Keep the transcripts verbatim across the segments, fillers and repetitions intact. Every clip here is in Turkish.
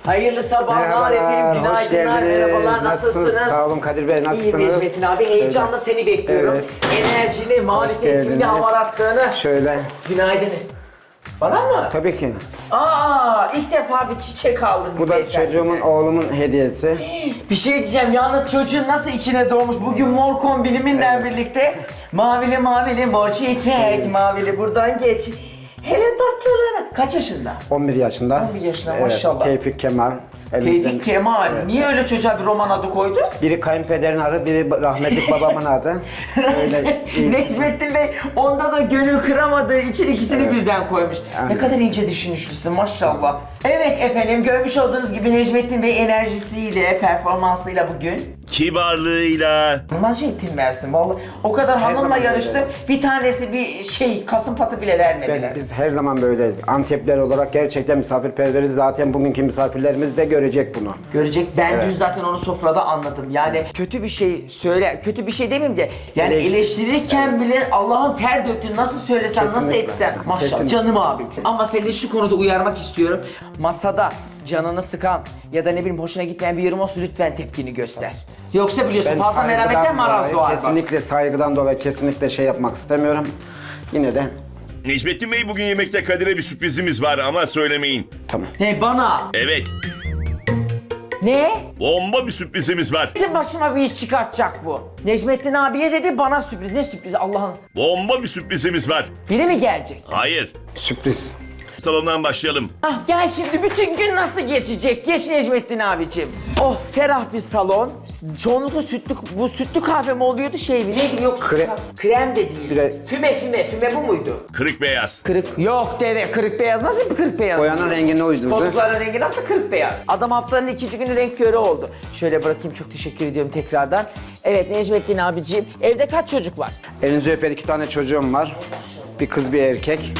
Hayırlı sabahlar efendim, hoş günaydınlar, geldiniz. merhabalar, nasılsınız? Sağ olun Kadir Bey, nasılsınız? İyiyim Necmettin abi, heyecanla seni bekliyorum. Evet. Enerjini, marifetliğini, geldiniz. hamaratlığını. Şöyle. Günaydın. Bana mı? Tabii ki. Aa, ilk defa bir çiçek aldım. Bu da beyefendi. çocuğumun, oğlumun hediyesi. Bir şey diyeceğim, yalnız çocuğun nasıl içine doğmuş bugün mor kombiniminle birlikte. Mavili mavili mor çiçek, mavili buradan geç. Hele tatlılığına. Kaç yaşında? on bir yaşında. on bir yaşında, Evet, maşallah. Tevfik Kemal. elimizden- Tevfik Kemal. Evet. Niye öyle çocuğa bir roman adı koydu? Biri kayınpederin adı, biri rahmetli babamın adı. Öyle iyi. Necmettin Bey onda da gönül kıramadığı için ikisini Evet. birden koymuş. Ne Aynen. kadar ince düşünmüşsün maşallah. Evet efendim, görmüş olduğunuz gibi Necmettin Bey enerjisiyle, performansıyla bugün Kibarlığıyla. inanılmaz şey eğitim versin vallahi. O kadar hanımla zaman yarıştım. öyle. Bir tanesi bir şey kasım patı bile vermediler. Ben, biz her zaman böyleyiz. Antepler olarak gerçekten misafirperveriz. Zaten bugünkü misafirlerimiz de görecek bunu. Görecek. Ben Evet. dün zaten onu sofrada anladım. Yani kötü bir şey söyle, kötü bir şey demeyeyim de yani Eleş- eleştirirken bile Allah'ın ter döktüğünü nasıl söylesem, nasıl Kesinlikle. etsem. Maşallah Kesinlikle. canım abim. Ama seni şu konuda uyarmak istiyorum. Masada canını sıkan ya da ne bileyim hoşuna gitmeyen bir yorum olsa lütfen tepkini göster. Yoksa biliyorsun fazla saygıdan merhametten maraz dolayı, doğar bak. Kesinlikle saygıdan dolayı kesinlikle şey yapmak istemiyorum. Yine de Necmettin Bey, bugün yemekte Kadir'e bir sürprizimiz var ama söylemeyin. tamam. He bana. Evet, Ne? bomba bir sürprizimiz var. Bizim başıma bir iş çıkartacak bu. Necmettin abiye dedi bana sürpriz. Ne sürpriz Allah'ın? Bomba bir sürprizimiz var. Biri mi gelecek? Hayır. Sürpriz. Salondan başlayalım. Ah gel şimdi bütün gün nasıl geçecek? Geç Necmettin abicim. Oh ferah bir salon. Çoğunlukla sütlü, bu sütlü kahve mi oluyordu şey mi? Neydi yok? Kre- Krem de değil. Kre- Füme füme füme bu muydu? Kırık beyaz. Kırık. Yok deve kırık beyaz. Nasıl bir kırık beyaz? Boyanın rengini uydurdu. Koltukların rengi nasıl kırık beyaz? Adam haftanın ikinci günü renk körü oldu. Şöyle bırakayım, çok teşekkür ediyorum tekrardan. Evet Necmettin abiciğim, evde kaç çocuk var? Elinizi öper, iki tane çocuğum var. Bir kız bir erkek.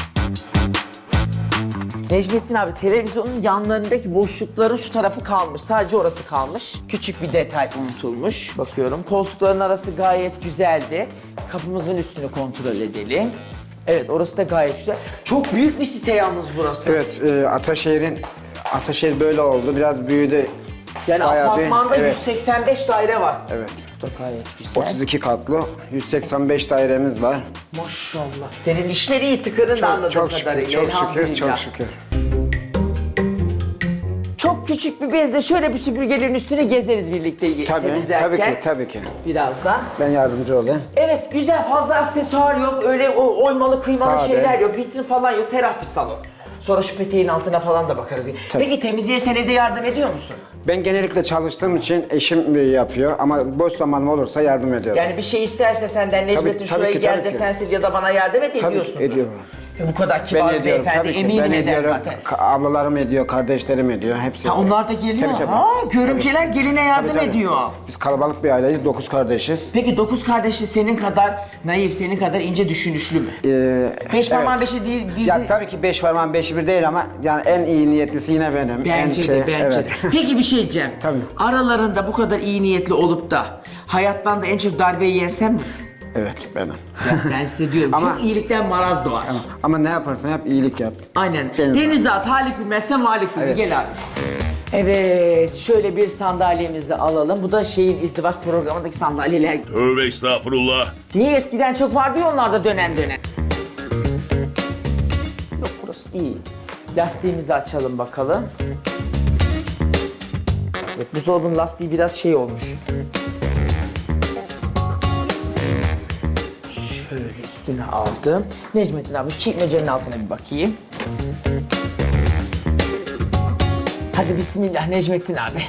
Necmettin abi televizyonun yanlarındaki boşlukların şu tarafı kalmış. Sadece orası kalmış. Küçük bir detay unutulmuş. Bakıyorum koltukların arası gayet güzeldi. Kapımızın üstünü kontrol edelim. Evet orası da gayet güzel. Çok büyük bir site yalnız burası. Evet, e, Ataşehir'in Ataşehir böyle oldu. Biraz büyüdü. Yani Bayağı bir- apartmanda evet. yüz seksen beş daire var. Evet. Bu da gayet güzel. otuz iki katlı, yüz seksen beş dairemiz var. Maşallah. Senin işleri iyi tıkırın da anladığım Çok şükür, kadarıyla. çok şükür, Elhamdülillah. çok şükür. Çok küçük bir bezle şöyle bir süpürgelerin üstüne gezeriz birlikte Tabii, temizlerken. tabii ki, tabii ki. Birazdan. Ben yardımcı olayım. Evet güzel, fazla aksesuar yok, öyle o oymalı kıymalı Sade. şeyler yok, vitrin falan yok, ferah bir salon. Sonra şu peteğin altına falan da bakarız. Tabii. Peki temizliğe sen evde yardım ediyor musun? Ben genellikle çalıştığım için eşim yapıyor ama boş zamanım olursa yardım ediyorum. Yani bir şey isterse senden Necmettin tabii şurayı ki, gel tabii de ki. sen sil ya da bana yardım et Tabii ki ediyorsundur. ediyorum. E bu kadar Ben kibar bir ediyorum, beyefendi tabii ki. eminim Ben eder ediyorum. zaten. Ka- Ablalarım ediyor, kardeşlerim ediyor, hepsi Ha, ediyor. onlar da geliyor. Tabii, tabii. Ha, görümceler geline yardım Tabii, tabii. ediyor. Biz kalabalık bir aileyiz, dokuz kardeşiz. Peki dokuz kardeşi senin kadar naif, senin kadar ince düşünüşlü mü? Ee, Beş parmağın evet. beşi değil, bir Ya de... tabii ki beş parmağın beşi bir değil ama yani en iyi niyetlisi yine benim. en Bence şey, de, bence evet. de. Peki bir şey diyeceğim. Tabii. Aralarında bu kadar iyi niyetli olup da hayattan da en çok darbe yiyen sen misin? Evet benim. Ya ben size diyorum, Ama- çok iyilikten maraz doğar. Ama ne yaparsan yap iyilik yap. Aynen. Deniz Denize at, Halik bilmezsen Malik bilir. Evet. Gel abi. Evet, şöyle bir sandalyemizi alalım. Bu da şeyin izdivaç programındaki sandalyeler. Tövbe estağfurullah. Niye eskiden çok vardı ya onlarda dönen dönen. Yok burası iyi. Lastiğimizi açalım bakalım. Evet, buzdolabının lastiği biraz şey olmuş. Şöyle üstüne aldım. Necmettin abi şu çekmecenin altına bir bakayım. Hadi bismillah Necmettin abi.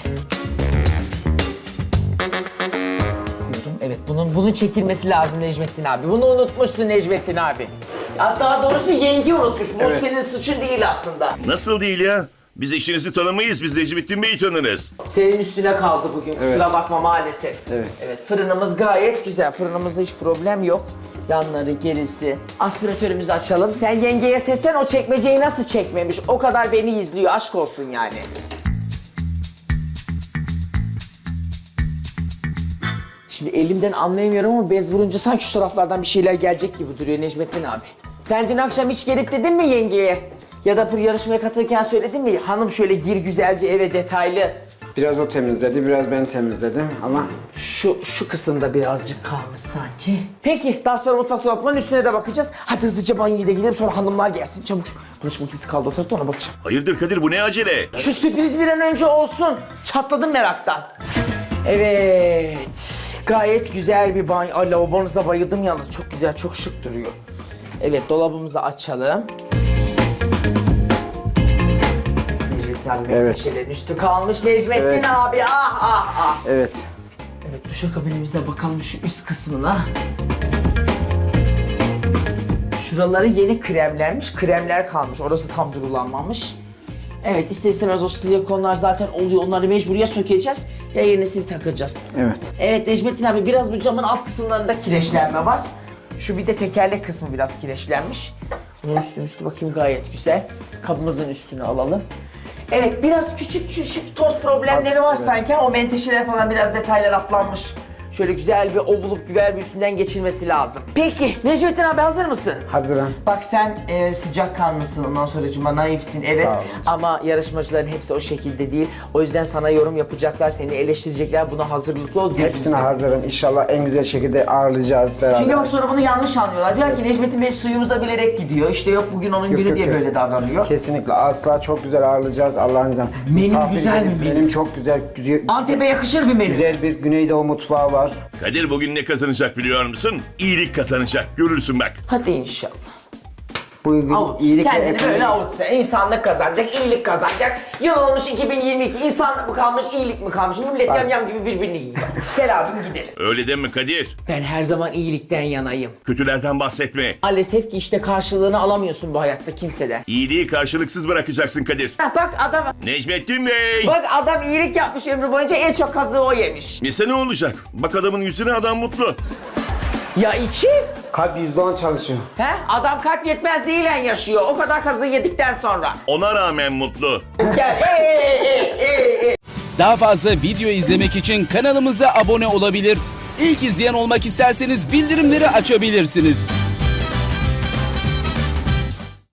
Diyorum. Evet bunun bunun çekilmesi lazım Necmettin abi. Bunu unutmuşsun Necmettin abi. Ya daha doğrusu yenge unutmuş. Bu Evet. senin suçun değil aslında. Nasıl değil ya? Biz eşinizi tanımayız, biz Necmettin Bey'i tanırız. Senin üstüne kaldı bugün. Evet. Kusura bakma maalesef. Evet. Evet fırınımız gayet güzel. Fırınımızda hiç problem yok. Yanları, gerisi. Aspiratörümüzü açalım. Sen yengeye seslen, o çekmeceyi nasıl çekmemiş? O kadar beni izliyor. Aşk olsun yani. Şimdi elimden anlayamıyorum ama bez vurunca sanki şu taraflardan bir şeyler gelecek gibi duruyor Necmettin abi. Sen dün akşam hiç gelip dedin mi yengeye? Ya da bu yarışmaya katılırken söyledim mi? Hanım şöyle gir güzelce eve detaylı. Biraz o temizledi, biraz ben temizledim ama Şu şu kısımda birazcık kalmış sanki. Peki daha sonra mutfak dolaplarının üstüne de bakacağız. Hadi hızlıca banyoya da gidelim sonra hanımlar gelsin çabuk. Bulaşık makinesi kaldı o tarafta ona bakacağım. Hayırdır Kadir bu ne acele? Şu sürpriz bir an önce olsun. Çatladım meraktan. Evet. Gayet güzel bir banyo. Ay lavabonuza bayıldım yalnız. Çok güzel, çok şık duruyor. Evet dolabımızı açalım. Necmettin abi Evet. köşelerin üstü kalmış. Necmettin Evet. abi ah ah ah. evet. Evet duşakabinimize bakalım şu üst kısmına. Şuraları yeni kremlenmiş, kremler kalmış. Orası tam durulanmamış. Evet ister istemez o silikonlar zaten oluyor. Onları mecbur ya sökeceğiz ya yenisini takacağız. Evet. Evet Necmettin abi biraz bu camın alt kısımlarında kireçlenme var. Şu bir de tekerlek kısmı biraz kireçlenmiş. Bunun üstü üstü bakayım gayet güzel. Kabımızın üstünü alalım. Evet biraz küçük küçük toz problemleri Az, var evet. sanki. O menteşeler falan biraz detaylar atlanmış. Şöyle güzel bir ovulup güzel bir üstünden geçilmesi lazım. Peki Necmettin abi hazır mısın? Hazırım. Bak sen e, sıcakkanlısın ondan sonracığıma naifsin evet Sağ olun. ama yarışmacıların hepsi o şekilde değil. O yüzden sana yorum yapacaklar, seni eleştirecekler. Buna hazırlıklı ol gözünü Hepsine seveyim. hazırım. İnşallah en güzel şekilde ağırlayacağız beraber. Çünkü bak sonra bunu yanlış anlıyorlar. Diyor ki Necmettin Bey suyumuza bilerek gidiyor. İşte yok bugün onun Yok, günü yok, diye yok. böyle davranıyor. Kesinlikle asla çok güzel ağırlayacağız Allah'ın izniyle. Menü Misafir güzel gelip mi menü? Benim çok güzel, güzel, Antep'e yakışır bir menü. güzel bir Güneydoğu mutfağı var. Kadir bugün ne kazanacak biliyor musun? İyilik kazanacak. Görürsün bak. Hadi inşallah. Bugün Avut. iyilik ve Kendini ekonomi- böyle avutsa. İnsanlık kazanacak, iyilik kazanacak. Yıl olmuş iki bin yirmi iki. İnsanlık mı kalmış, iyilik mi kalmış? Millet Bak. yamyam gibi birbirini yiyor. Gel abim gidelim. Öyle deme Kadir. Ben her zaman iyilikten yanayım. Kötülerden bahsetme. Maalesef ki işte karşılığını alamıyorsun bu hayatta kimseden. İyiliği karşılıksız bırakacaksın Kadir. Ha, bak adam, Necmettin Bey. bak adam iyilik yapmış ömrü boyunca en çok kazığı o yemiş. Nese ne olacak? Bak adamın yüzüne adam mutlu. Ya içi? Kalp yüzde on çalışıyor. He? Adam kalp yetmezliğiyle yaşıyor. O kadar kazığı yedikten sonra. Ona rağmen mutlu. Gel. Ee, ee, ee, ee. Daha fazla video izlemek için kanalımıza abone olabilir. İlk izleyen olmak isterseniz bildirimleri açabilirsiniz.